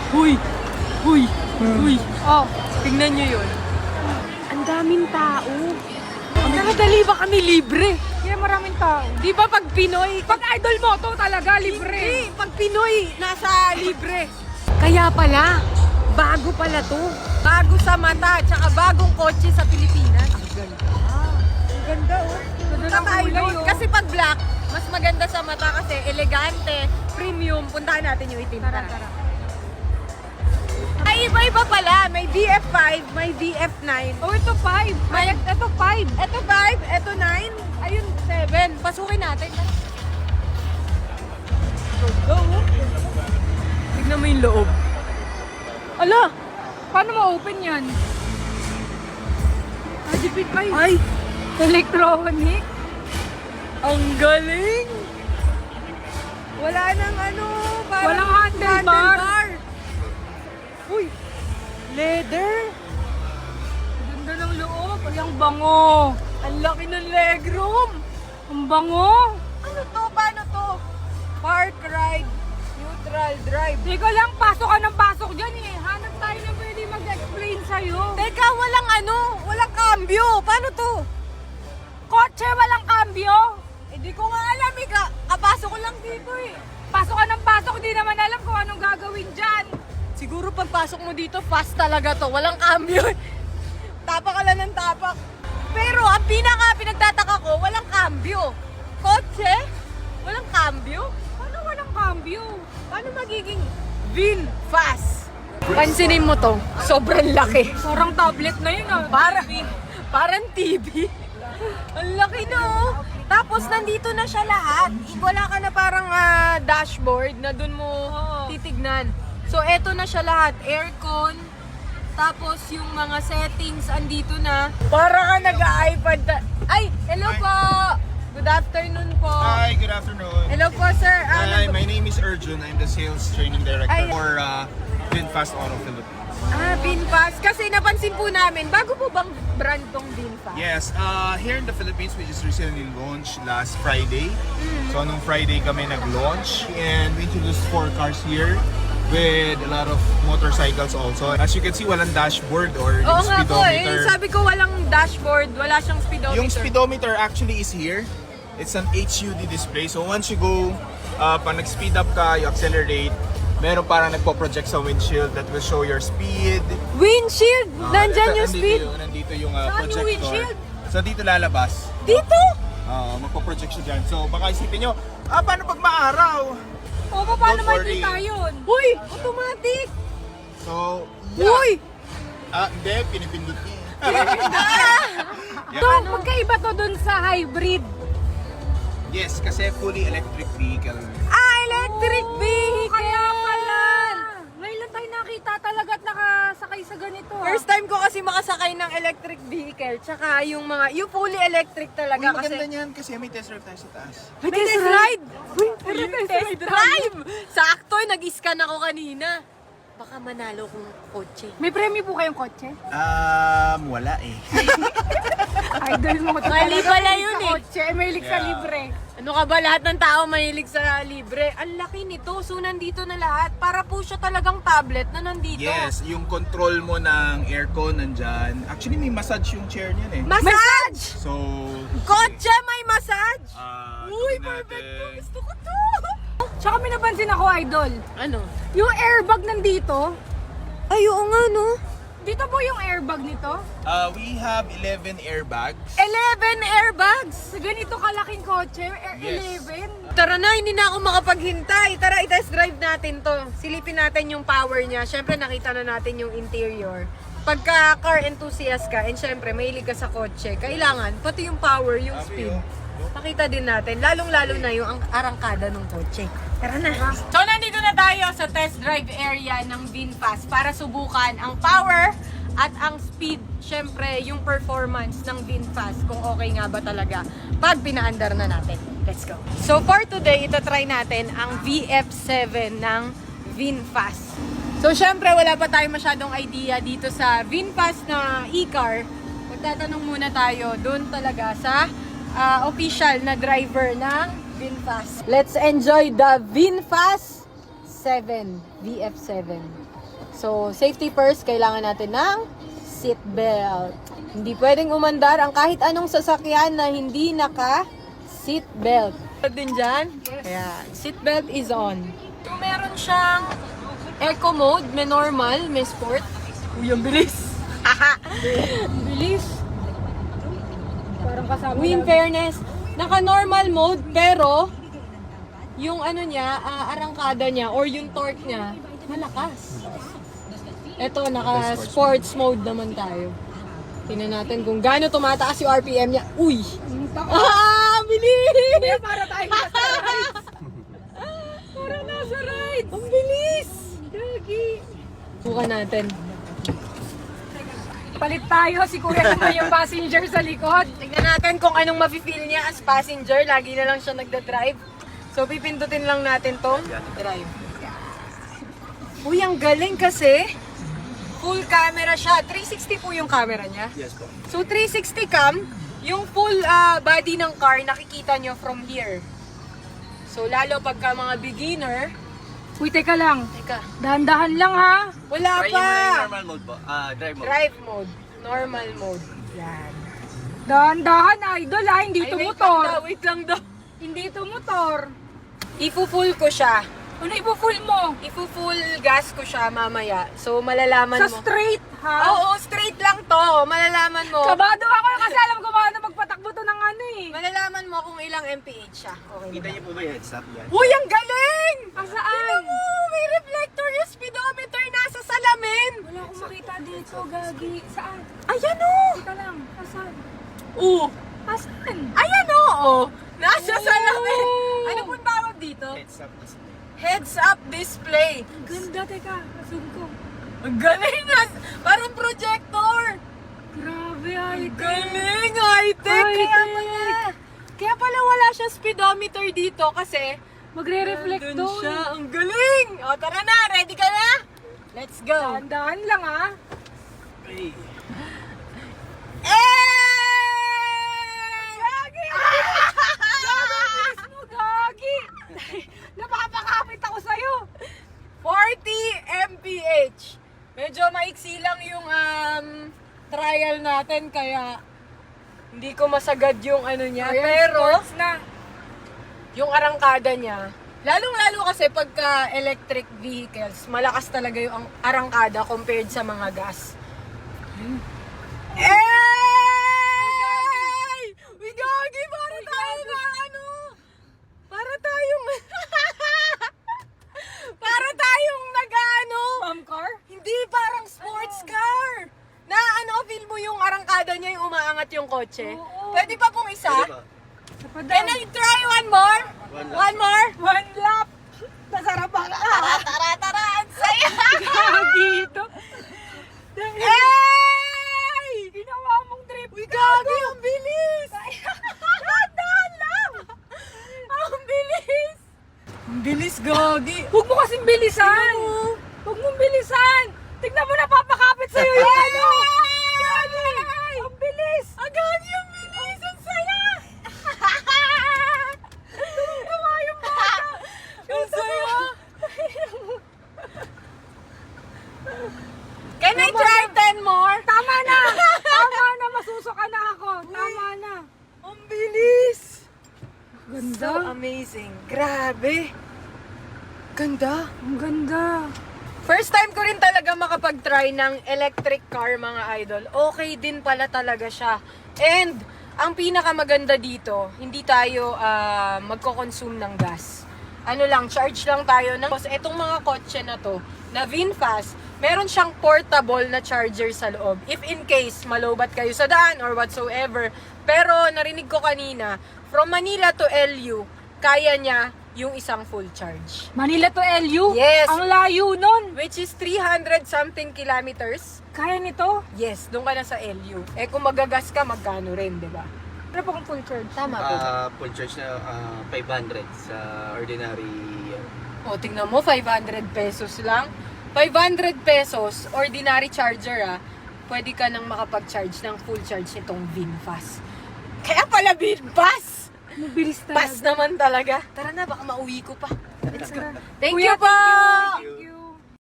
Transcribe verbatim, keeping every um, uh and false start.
Huy! Huy! Huy! Oh, Tingnan nyo yun. Ang daming tao. Nakadali ba kami libre? kaya maraming tao. Di ba pag Pinoy, Pag idol mo, to talaga, libre. Hindi, pag Pinoy, nasa libre. Kaya pala, bago pala to. Bago sa mata, tsaka bagong kotse sa Pilipinas. Ang ganda. Ang ganda, oh. Ganda ng Kakaiba kulay, yun. oh. Kasi pag black, mas maganda sa mata kasi elegante, premium. Puntahan natin yung itim. Tara, tara. Ay, iba-iba pala. May V F five, may V F nine. Oh, ito five. Ay, ito five. Ito five, ito nine, ayun seven. Pasukin natin. Go, go. Tignan mo yung loob. Ala, paano ma-open yan? Adipit pa yun. Ay, Electronic. ang galing! Wala nang ano, parang Walang handlebar. Uy, leather. Ganda ng loob. Ang bango. Ang laki ng legroom. Ang bango. Ano to? Paano to? Park ride, neutral drive. Teka lang, pasok ka ng pasok dyan eh. Hanap tayo na pwede mag-explain sa'yo. Teka, walang ano, walang cambio. Paano to? Kotse, walang cambio. Eh di ko nga alam eh, ka kapasok ko lang dito eh. Pasok ka ng pasok, di naman alam kung anong gagawin dyan. Siguro pagpasok mo dito, fast talaga to. Walang cambio. Tapak ka lang ng tapak. Pero ang pinaka pinagtataka ko, walang cambio. Kotse? Walang cambio? Paano walang cambio? Paano magiging Vin fast? Pansinin mo to, sobrang laki. Parang tablet na yun ah. Para, parang T V. Ang laki no. Tapos nandito na siya lahat. Wala ka na parang ah, dashboard na dun mo Oo. titignan. So eto na siya lahat. Aircon. Tapos yung mga settings andito na. Para ka nag-iPad. ta- Ay, hello po. Good afternoon po. Hi, good afternoon. Hello po sir. Ah, Hi, nag- my name is Arjun. I'm the sales training director Ay. for uh, VinFast Auto Philippines. ah, VinFast. Kasi napansin po namin, bago po bang brand tong VinFast? Yes, uh, here in the Philippines, we just recently launched last Friday. So, nung Friday kami nag-launch and we introduced four cars here with a lot of motorcycles also. As you can see, walang dashboard or Oo yung nga po eh. speedometer. Sabi ko walang dashboard, wala siyang speedometer. Yung speedometer actually is here. It's an H U D display. So once you go, uh, pag nag-speed up ka, you accelerate, meron parang nagpo-project sa windshield that will show your speed. Windshield! Uh, Nandyan ito- yung nandito speed. Yung, nandito yung uh, Saan yung projector. windshield? So dito lalabas. Dito? Uh, magpo-project siya dyan. So baka isipin nyo, ah, paano pag maaraw? O, paano Don't worry. makikita yun? Uy! Automatic! So, yeah. Uy! Ah, hindi, pinipindot niya. So, magkaiba to dun sa hybrid. Yes, kasi fully electric vehicle. Ah, electric Oo, vehicle! Kaya pala. Ngayon lang tayo nakita talaga at nakasakay sa ganito. ah. First time ko kasi makasakay ng electric vehicle. Tsaka yung mga, yung fully electric Uy, talaga kasi. maganda niyan kasi may test drive tayo sa taas. May test ride! Uy, May test drive! Sakto, nag-scan ako kanina. Baka manalo kong kotse. May premyo po kayong kotse? Um, wala eh. Idol mo to Mali talaga, pala mahilig yun sa eh. Kotse, eh, mahilig sa Yeah. libre. Ano ka ba, lahat ng tao mahilig sa libre. Ang laki nito, so nandito na lahat. Para po siya talagang tablet na nandito. Yes, yung control mo ng aircon nandyan. Actually, may massage yung chair niyan eh. Massage! So, Kotse may massage! ah, Uy, gawin perfect to! natin. Gusto ko to! Tsaka may napansin ako, idol. Ano? Yung airbag nandito, Ay, oo nga no. dito po yung airbag nito. Uh, we have eleven airbags. eleven airbags! Sa ganito kalaking kotse, air Yes. eleven. Tara na, hindi na ako makapaghintay. Tara, i-test drive natin to. Silipin natin yung power niya. Siyempre, nakita na natin yung interior. Pagka car enthusiast ka, and syempre, mahilig ka sa kotse, kailangan, pati yung power, yung speed. Pakita din natin, lalong-lalo na yung ang arangkada ng kotse. Tara na. So, nandito na tayo sa test drive area ng VinFast para subukan ang power at ang speed. Syempre, yung performance ng VinFast, kung okay nga ba talaga pag pinaandar na natin. Let's go. So, for today, itatry natin ang V F seven ng VinFast. So, syempre, wala pa tayo masyadong idea dito sa VinFast na e-car. Magtatanong muna tayo doon talaga sa uh, official na driver ng VinFast. Let's enjoy the VinFast seven. V F seven. So, safety first, kailangan natin ng seat belt. Hindi pwedeng umandar ang kahit anong sasakyan na hindi naka seat belt. Din dyan? Ayan. Seat belt is on. So, meron siyang eco mode, may normal, may sport. Uy, ang bilis! Ang bilis. Parang kasama Uy, in lang. fairness, naka-normal mode, pero yung ano niya, ah, arangkada niya, or yung torque niya, malakas. Ito, naka-sports mode naman tayo. Tingnan natin kung gaano tumataas yung R P M niya. Uy! Ah, bilis! Para tayo nasa rides. Para nasa rides. Ang bilis! Gagi. Bukan natin. Palit tayo. Si Kuya naman yung passenger sa likod. Tingnan natin kung anong mafe-feel niya as passenger. Lagi na lang siya nagda-drive. So, pipindutin lang natin tong drive. Uy, ang galing kasi. Full camera siya. three sixty po yung camera niya. Yes po. So, three sixty cam, yung full ah, body ng car, nakikita nyo from here. So, lalo pagka mga beginner, Uy, teka lang. teka, Dahan-dahan lang ha. wala Try pa! nyo muna yung normal mode po. Ah, drive mode. Drive mode. Normal mode. Yan. Dahan-dahan idol ha. Hindi Ay, ito wait lang motor. daw, wait lang daw. Hindi ito motor. Ifu-full ko siya. Ano ipo-full mo? Ifu-full gas ko siya mamaya. So, malalaman Sa mo. straight ha? Oo, straight lang to. Malalaman mo. Kabado ako kasi alam ko paano magpatakbo to ng ano eh. Malalaman mo kung ilang M P H siya. Okay Kita na. niyo po ba yung heads up yan? Uy, ang galing! Asaan? Tingnan mo, may reflector yung speedometer nasa salamin. Wala akong makita dito, Gagi. Saan? Ayan o! Teka lang. Asan? Oo. Asan? Ayan o! Oh. Nasa Oh. salamin. Ano pong tawag dito? Heads up display. Heads up display. Ganda, teka. Zoom ko. Ang galing na. Parang projector. Grabe, ay. Galing, high-tech. Kaya High-tech. pala. Kaya pala wala siya speedometer dito kasi Magre-reflect nandun to. siya. Ang galing. O, tara na. Ready ka na? Let's go. Dahan-dahan lang ha. Hey. Eh! Gagi! Gagi! mo, Gagi! Napapakapit ako sa'yo. forty M P H. Medyo maiksi lang yung um, trial natin kaya hindi ko masagad yung ano niya. Ayan, Pero sports na. yung arangkada niya, lalong-lalo kasi pagka electric vehicles, malakas talaga yung ang- arangkada compared sa mga gas. Ey! Uy, Gagi! Para tayo na ano? Para tayong... para tayong nag-ano? Mom car? Hindi, parang sports car. Na ano, feel mo yung arangkada niya, yung umaangat yung kotse. Oo. Pwede pa pong isa? Pwede ba? Can I try one more? One lap. One more? One lap. Nasarap ako. Tara, tara, tara! Ang saya! Gagi ito. Ey! Ginawa mong trip. Uy, Gagi! Ang bilis! Dahan lang! Ang bilis! Ang bilis, Gagi! Huwag mo kasing bilisan. Huwag mong bilisan. Tignan mo, napapakapit sa'yo yung ano. Gagi! Ang bilis. Ang Gagi! Ang bilis! Ang saya! Tuwa yung bata. Ang saya! Can I try ten more? Tama na. Tama na. Masusuka na ako. Tama na. Ang bilis! Ganda. So amazing. Grabe. Ganda. Ang ganda. First time ko rin talaga makapag-try ng electric car, mga idol. Okay din pala talaga siya. And, ang pinakamaganda dito, hindi tayo ah, magko-consume ng gas. Ano lang, charge lang tayo ng... Tapos, etong mga kotse na to, na VinFast, meron siyang portable na charger sa loob. If in case, malobat kayo sa daan or whatsoever. Pero, narinig ko kanina, from Manila to L U, kaya niya yung isang full charge. Manila to L U? Yes. Ang layo nun. Which is three hundred something kilometers. Kaya nito? Yes, doon ka na sa L U. Eh kung magagas ka, magkano rin, di ba? Ano pa kung full charge? Tama po. Ah, full charge na ah, five hundred sa ordinary. O, tingnan mo, five hundred pesos lang. five hundred pesos, ordinary charger ah, pwede ka nang makapag-charge ng full charge nitong VinFast. Kaya pala VinFast! Mabilis talaga. Fast naman talaga. Tara na, baka mauwi ko pa. Let's go. Thank Kuya, you po! thank you. Thank you.